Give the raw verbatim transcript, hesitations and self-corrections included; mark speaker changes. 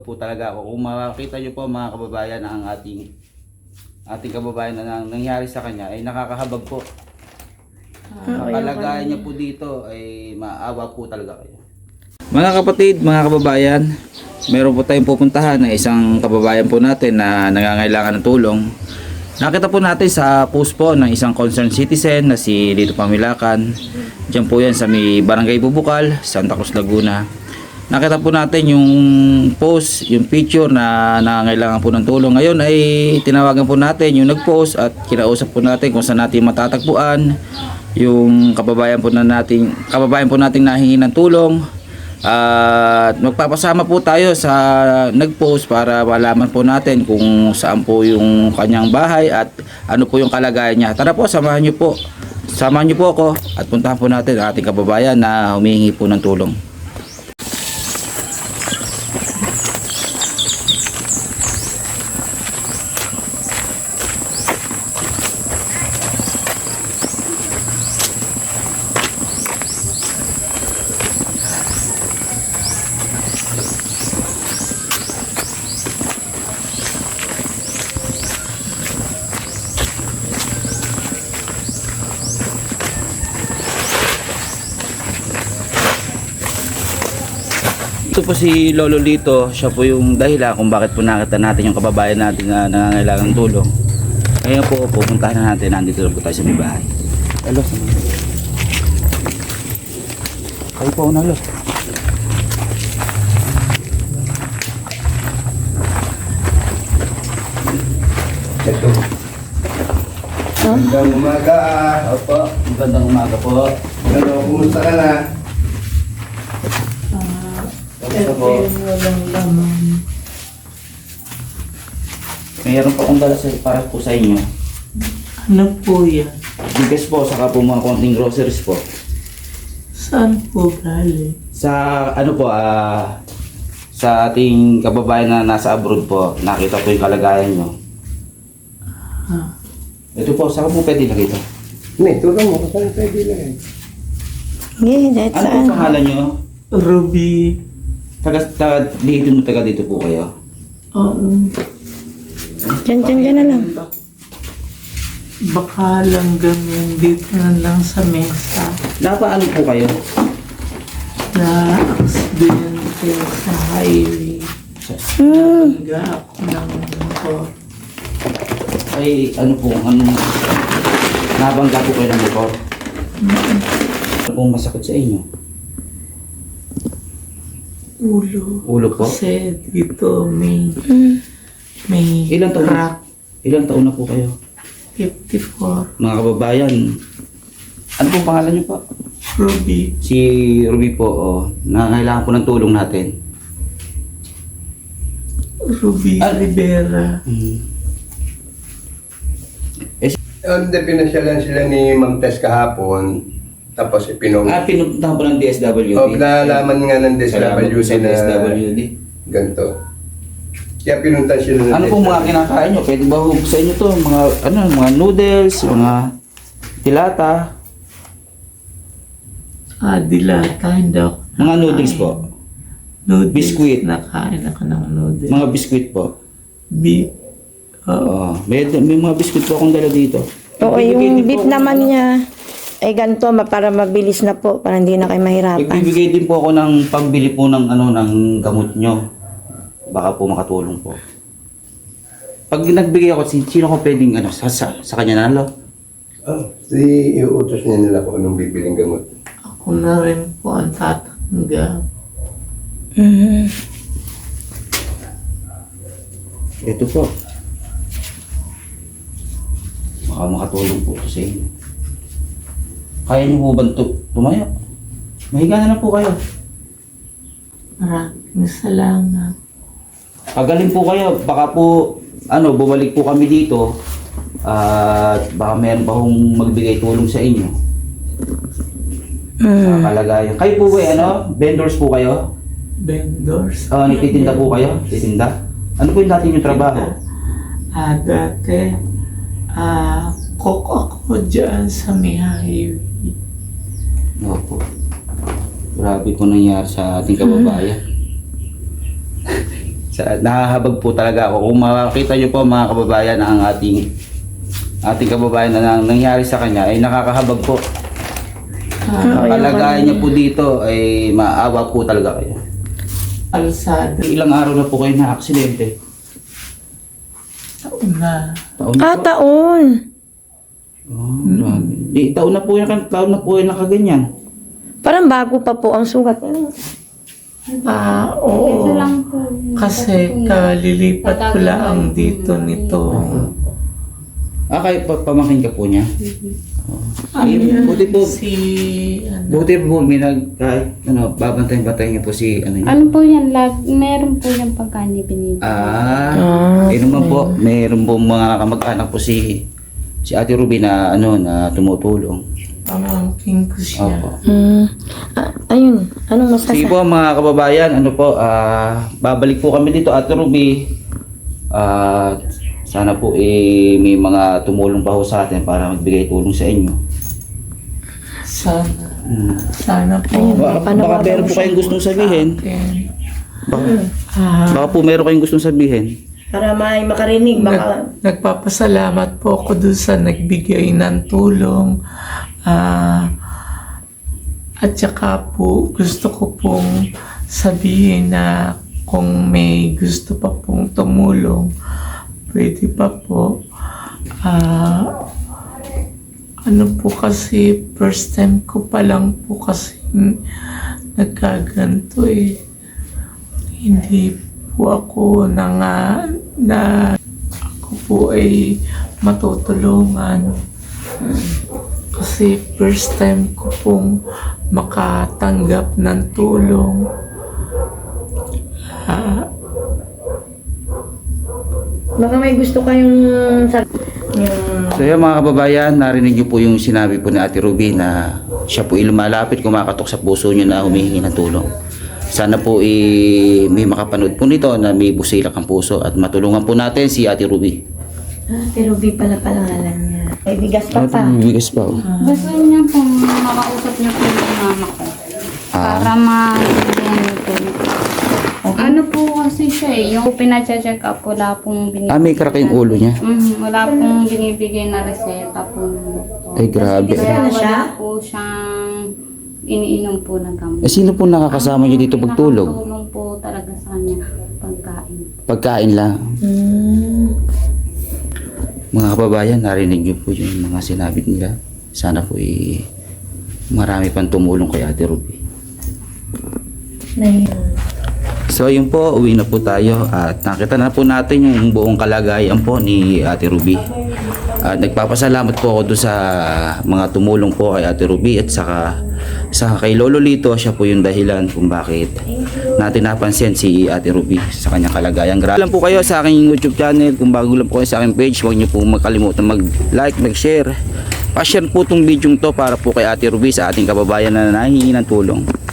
Speaker 1: Po talaga ako. Kung makakita nyo po mga kababayan ang ating ating kababayan na nang, nangyari sa kanya ay nakakahabag po. Ang kalagayan niya po dito ay maawa po talaga kayo. Mga kapatid, mga kababayan, meron po tayong pupuntahan na isang kababayan po natin na nangangailangan ng tulong. Nakita po natin sa post po ng isang concerned citizen na si Lito Pamilakan. Diyan po yan sa may Barangay Bubukal, Santa Cruz, Laguna. Nakita po natin yung post, yung picture na nangangailangan po ng tulong. Ngayon ay tinawagan po natin yung nag-post at kinausap po natin kung saan natin matatagpuan yung kababayan po na nating kababayan po nating nahingi ng tulong. At uh, magpapasama po tayo sa nag-post para malaman po natin kung saan po yung kanyang bahay at ano po yung kalagayan niya. Tara po, samahan niyo po. Samahan niyo po ako at puntahan po natin ang ating kababayan na humihingi po ng tulong. Ito po si Lolo Lito, siya po yung dahilan kung bakit po nakita natin yung kababayan natin na nangangailangan ng tulong. Ngayon po, pupuntahan na natin, nandito na po tayo sa may bahay. Hello, kayo po una, Lolo.
Speaker 2: Ito. Magandang umaga.
Speaker 1: Opo, magandang umaga po.
Speaker 2: Ano, kumusta ka na?
Speaker 1: Kamusta po?
Speaker 3: Walang laman.
Speaker 1: Mayroon pa akong dala sa, para po sa inyo.
Speaker 3: Ano po yan?
Speaker 1: Bigas po, saka po mga konting groceries po.
Speaker 3: Saan po galing?
Speaker 1: Sa ano po, ah, sa ating kababayan na nasa abroad po, nakita po yung kalagayan nyo.
Speaker 3: Ah,
Speaker 1: Ito po, saka po pwede lagay ito.
Speaker 2: Hindi, tulong mo. Saan pwede lang eh.
Speaker 4: Ngayon, kahit
Speaker 1: Ano
Speaker 4: saan.
Speaker 1: po pangalan nyo?
Speaker 3: Ruby.
Speaker 1: Taga, taga, dito mo taga dito po kayo.
Speaker 3: Oo.
Speaker 4: Diyan, diyan, diyan na lang.
Speaker 3: Baka lang ganyan dito na lang sa mesa.
Speaker 1: Napaano po kayo?
Speaker 3: Na aksidente sa highway.
Speaker 4: Hmm.
Speaker 3: Nagga ako ng motor.
Speaker 1: Ay, ano po, ano, nabangga po kayo ng motor? Ano pong masakit sa inyo?
Speaker 3: Ulo.
Speaker 1: Ulo po?
Speaker 3: Kasi dito may,
Speaker 4: Hmm.
Speaker 3: may
Speaker 1: Ilang taon?
Speaker 3: crack.
Speaker 1: Ilang taon na po kayo?
Speaker 3: fifty-four.
Speaker 1: Mga kababayan, ano pong pangalan nyo po?
Speaker 3: Ruby.
Speaker 1: Si Ruby po, oh, nangangailangan po ng tulong natin.
Speaker 3: Ruby
Speaker 1: Ah.
Speaker 3: Rivera.
Speaker 1: Hmm.
Speaker 2: On the pinasyalan sila ni Ma'am Tess kahapon, tapos ipinong...
Speaker 1: Ah, pinuntahan po ng D S W D.
Speaker 2: O, nalaman nga ng
Speaker 1: Salamat po
Speaker 2: D S W D
Speaker 1: sa D S W D.
Speaker 2: na ganito. Kaya pinunta sila ng
Speaker 1: Ano pong mga kinakain nyo? Pwede ba hug sa inyo to? Mga, ano, mga noodles, mga tilata,
Speaker 3: Ah, dilata. Hindi ako
Speaker 1: mga noodles po.
Speaker 3: Noodles.
Speaker 1: Biscuit.
Speaker 3: Nakain ako ng noodles.
Speaker 1: Mga biskuit po.
Speaker 3: Beef. Oo.
Speaker 1: Oo. May, may mga biskuit po akong dala dito.
Speaker 4: Oo,
Speaker 1: Nagbibigay
Speaker 4: yung
Speaker 1: din po
Speaker 4: beef
Speaker 1: ako
Speaker 4: naman
Speaker 1: ng-
Speaker 4: niya, ay ganito, ma- para mabilis na po, para hindi na kayo mahirapan.
Speaker 1: Nagbibigay din po ako ng pambili po ng ano ng gamot nyo. Baka po makatulong po. Pag nagbigay ako, sin- sino ko pwedeng ano, sa, sa, sa kanya na, lo?
Speaker 2: Oh, si iuutos niya nila kung anong bibiling gamot.
Speaker 3: Ako na rin po ang tatanggap.
Speaker 4: Hmm.
Speaker 1: Ito po. Baka makatulong po ito sa inyo. Kaya niyo po ba ito tumayo? Mahiga na lang po kayo.
Speaker 3: Maraming salamat.
Speaker 1: Pagaling po kayo, baka po, ano, bumalik po kami dito. At baka meron pa akong magbigay tulong sa inyo. Sa
Speaker 4: Hmm.
Speaker 1: kalagayan. Kayo po ba, ano, vendors po kayo?
Speaker 3: Vendors.
Speaker 1: Ah, nagtitinda po kayo? Titinda? Ano po yung dati yung trabaho?
Speaker 3: Ah, dati, ah, cook ako dyan sa may highway.
Speaker 1: Opo. Grabe po nangyari sa ating kababayan. Sa, nahahabag po talaga ako. Kung makakita nyo po mga kababayan ang ating ating kababayan na nang, nangyari sa kanya ay nakakahabag po.
Speaker 3: Ah,
Speaker 1: Ang kalagayan niya po dito ay maawa po talaga kayo.
Speaker 3: alsada.
Speaker 1: Ilang araw na po kayo na aksidente?
Speaker 3: Taon na.
Speaker 1: Taon na
Speaker 4: Ah,
Speaker 1: po.
Speaker 4: taon.
Speaker 1: Oh, grabe. Di, taon na po yan, taon na po yan nakaganyan.
Speaker 4: Parang bago pa po ang sugat.
Speaker 3: Ah, oo.
Speaker 5: Ito lang po.
Speaker 3: Kasi kalilipat ko lang dito nito.
Speaker 1: Ah, kayo pa, pamangkin ka po niya?
Speaker 3: Ano
Speaker 1: Eh,
Speaker 3: yan?
Speaker 1: buti po.
Speaker 3: Si, ano,
Speaker 1: Buti po, may nag, kahit, ano, babantayin-bantayin niyo po si, ano niya.
Speaker 5: Ano po yan? Lag, meron po yung pagkain binibigay.
Speaker 1: Ah, eh naman po, mayroon po mga kamag-anak po si, si Ate Ruby na, ano, na tumutulong.
Speaker 3: pamangkin ko siya.
Speaker 1: Opo.
Speaker 4: Hmm. Ah, ayun. Anong
Speaker 1: Sige
Speaker 4: masasa?
Speaker 1: po mga kababayan, ano po, ah, babalik po kami dito, Ate Ruby. Ah, sana po eh, may mga tumulong pa ho sa atin para magbigay tulong sa inyo.
Speaker 3: Sana.
Speaker 1: Hmm.
Speaker 3: Sana po.
Speaker 4: Ayun.
Speaker 1: Baka,
Speaker 4: Paano
Speaker 1: baka
Speaker 4: ba
Speaker 1: meron
Speaker 4: daw
Speaker 1: po kayong gustong sabihin.
Speaker 3: Akin.
Speaker 1: Baka,
Speaker 3: Ah,
Speaker 1: baka po meron kayong gustong sabihin.
Speaker 4: Para may makarinig.
Speaker 3: Nag, nagpapasalamat po ako dun sa nagbigay ng tulong. Ah, at saka po, gusto ko pong sabihin na kung may gusto pa pong tumulong, pwede pa po. Ah, ano po kasi, first time ko pa lang po kasi nagkaganto eh. Hindi po ako na nga na ako po ay matutulungan. Kasi first time ko pong makatanggap ng tulong. Ah,
Speaker 4: Baka may gusto kayong sab- yung
Speaker 1: So yan mga kababayan, narinig niyo po yung sinabi po ni Ate Ruby na siya po ilumalapit, kumakatok sa puso niyo na humihingi ng tulong. Sana po eh, may makapanood po nito na may busilak ang puso at matulungan po natin si Ate Ruby.
Speaker 4: Ah, pero Ruby pala pangalan niya. May bigas pa pa.
Speaker 1: Bigas pa oh.
Speaker 5: Gusto niya po makausap niya po yung mama ko.
Speaker 1: Ah.
Speaker 5: Para ma-bigyan niyo po. Ano po kasi siya eh, yung pina-check up, wala pong binibigay.
Speaker 1: Ah, may crack yung ulo niya.
Speaker 5: Mm, wala pong binibigay na reseta po.
Speaker 1: Ay grabe.
Speaker 5: Kaya
Speaker 4: Ano siya?
Speaker 5: wala po siyang iniinom po na gamot.
Speaker 1: Eh sino po nakakasama niyo dito pagtulog?
Speaker 5: Nakakatulong po talaga sa kanya pagkain.
Speaker 1: Pagkain lang.
Speaker 4: Hmm.
Speaker 1: Mga kababayan, narinig niyo po yung mga sinabi nila. Sana po eh, marami pang tumulong kay Ate Ruby.
Speaker 4: Nay-
Speaker 1: So yun po, uwi na po tayo at nakita na po natin yung buong kalagayan po ni Ate Ruby. At nagpapasalamat po ako doon sa mga tumulong po kay Ate Ruby at saka sa kay Lolo Lito, siya po yung dahilan kung bakit natin napansin si Ate Ruby sa kanyang kalagayan. Grabe lang po kayo sa aking YouTube channel. Kung bago lang po kayo sa aking page, huwag niyo po makalimutan mag-like, mag-share. Pa-share po itong video to para po kay Ate Ruby sa ating kababayan na nahihingi ng tulong.